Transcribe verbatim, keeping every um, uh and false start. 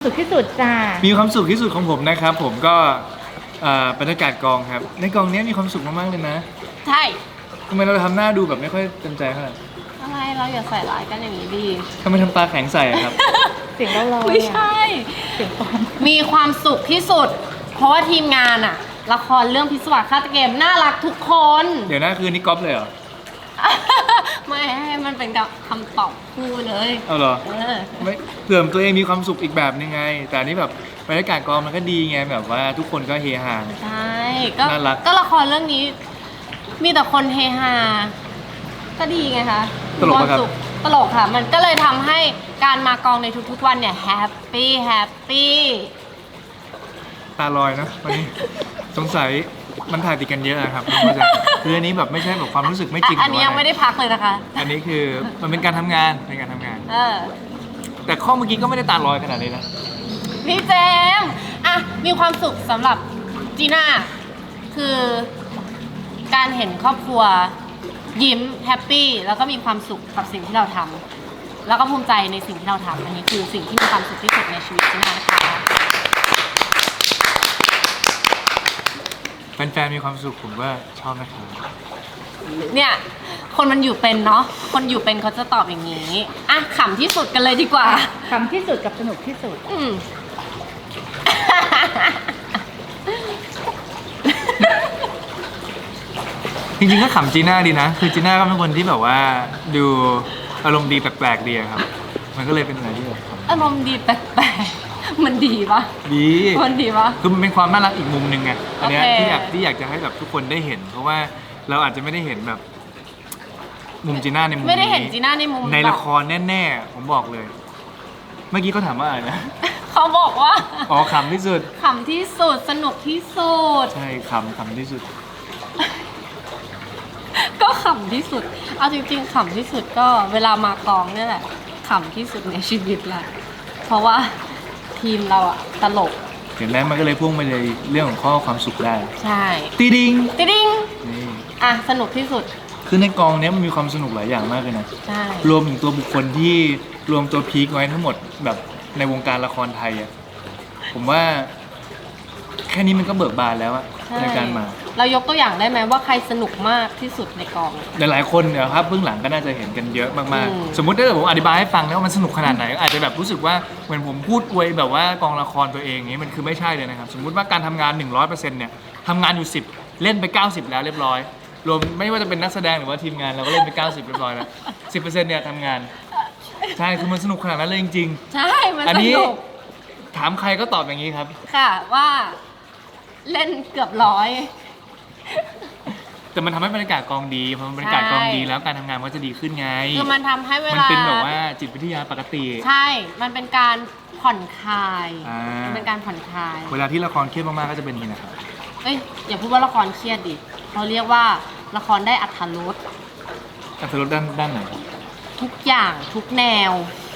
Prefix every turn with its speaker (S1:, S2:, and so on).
S1: สุขที่สุดจ้า
S2: มีความสุขที่สุดของผมนะครับผมก็บรรยากาศกองครับในกองนี้มีความสุขมากๆเลยนะ
S3: ใช่
S2: ทำไมเราทำหน้าดูแบบไม่ค่อยเต็มใจเท่าไหร่
S3: อะไรเราอย่าใส่ร้ายกันอย่างนี้ดี
S2: ทำไมทำตาแข็งใส่ครับ
S1: เสียงเราๆ
S3: ไม่ใช่
S1: เสียงปลอม
S3: มีความสุขที่สุดเพราะว่าทีมงานอะละครเรื่องพิศวาสฆาตเกมน่ารักทุกคน
S2: เดี๋ยวนะคือนี่ก๊อปเลยเหรอ
S3: ไม่ให้มันเป็นคำตอบคู่เลย
S2: เอาเหรอไม่เผื่อตัวเองมีความสุขอีกแบบนึงไงแต่อันนี้แบบบรรยากาศกองมันก็ดีไงแบบว่าทุกคนก็เฮฮา
S3: ใช่ก็
S2: น่ารัก
S3: ก็ละครเรื่องนี้มีแต่คนเฮฮาก็ดีไงคะ
S2: ตลกครับ
S3: ตลกค่ะมันก็เลยทำให้การมากองในทุกๆวันเนี่ยแฮปปี้แฮปปี้
S2: ตาลอยนะวันนี้สงสัยมันถ่ายติดกันเยอะครับคืออันนี้แบบไม่ใช่แบบความรู้สึกไม่จริง
S3: อันนี้ยังไม่ได้พักเลยนะคะ
S2: อันนี้คือมันเป็นการทำงานเป็นการทำงาน
S3: เออ
S2: แต่ข้อเมื่อกี้ก็ไม่ได้ตาลอยขนาดนี้นะ
S3: พี่เจมอ่ะมีความสุขสำหรับจีน่าคือการเห็นครอบครัวยิ้มแฮปปี้แล้วก็มีความสุขกับสิ่งที่เราทำแล้วก็ภูมิใจในสิ่งที่เราทำอันนี้คือสิ่งที่มีความสุขที่สุดในชีวิตจีน่านะคะ
S2: แฟนๆมีความสุขผมก็ชอบนะครับ
S3: เนี่ยคนมันอยู่เป็นเนาะคนอยู่เป็นเขาจะตอบอย่างนี้อ่ะขำที่สุดกันเลยดีกว่า
S1: ขำที่สุดกับสนุกที่สุด
S3: อืม
S2: จริงๆก็ขำจีน่าดีนะคือจีน่าก็เป็นคนที่แบบว่าดูอารมณ์ดีแปลกๆดีครับมันก็เลยเป็นอะไรที่แบบ
S3: อารมณ์ดีแปลกๆมันดีปะ
S2: ดี
S3: มันดีปะ
S2: คือมันเป็นความน่ารักอีกมุมหนึ่งไงอันนี้ที่อยากที่อยากจะให้แบบทุกคนได้เห็นเพราะว่าเราอาจจะไม่ได้เห็นแบบมุมจีน่าในมุม
S3: ไม่ได้เห็นจีน่าในมุม
S2: ในละครแน่ๆผมบอกเลยเมื่อกี้เขาถามว่าอะไรนะ
S3: เขาบอกว่า
S2: อ๋อขำที่สุด
S3: ขำที่สุดสนุกที่สุด
S2: ใช่ขำขำที่สุด
S3: ก็ขำที่สุดเอาจริงๆขำที่สุดก็เวลามากองนี่แหละขำที่สุดในชีวิตแหละเพราะว่าทีมเราอะตลก
S2: เห็นแล้วมันก็เลยพุ่งไปเลยเรื่องของข้อความสุขได้
S3: ใช่
S2: ตีดิง
S3: ตีดิงนี่อ่ะสนุกที่สุด
S2: คือในกองนี้มันมีความสนุกหลายอย่างมากเลยนะ
S3: ใช่
S2: รวมถึงตัวบุคคลที่รวมตัวพีคไว้ทั้งหมดแบบในวงการละครไทยอะผมว่าแค่นี้มันก็เบิกบานแล้วอะในการมา
S3: เรายกตัวอย่างได้ไหมว่าใครสนุกมากที่สุดในกอง
S2: หลายๆคนเนี่ยครับเบื้องหลังก็น่าจะเห็นกันเยอะมากๆสมมุติถ้าเกิดผมอธิบายให้ฟังแล้วว่ามันสนุกขนาดไหนอาจจะแบบรู้สึกว่าเหมือนผมพูดอวยแบบว่ากองละครตัวเองนี้มันคือไม่ใช่เลยนะครับสมมุติว่าการทำงาน หนึ่งร้อยเปอร์เซ็นต์ เนี่ยทำงานอยู่สิบเล่นไปเก้าสิบแล้วเรียบร้อยรวมไม่ว่าจะเป็นนักแสดงหรือว่าทีมงานเราก็เล่นไปเก้าสิบเรียบร้อยแล้ว สิบเปอร์เซ็นต์ เนี่ยทำงานใช่คือมันสนุกขนาดนั้นเลยจริง
S3: ๆใช่มันสนุก
S2: ถามใครก็ตอบอย่างนี้ครับ
S3: ค่ะว่าเล่นเกือบร้อย
S2: แต่มันทำให้บรรยากาศกองดีพอบรรยากาศกองดีแล้วการทำงานมันก็จะดีขึ้นไง
S3: คือมันทำให้เวลา
S2: มันเป็นแบบว่าจิตวิทยาปกติ
S3: ใช่มันเป็นการผ่อนคลายมันเป็นการผ่อนคลาย
S2: เวลาที่ละครเครียดมากๆก็จะเป็นอย่างนี้นะครับ
S3: เอ้ยอย่าพูดว่าละครเครียดดิเราเรียกว่าละครได้อรรถรส
S2: อรรถรสด้านด้านไหน
S3: ทุกอย่างทุกแนว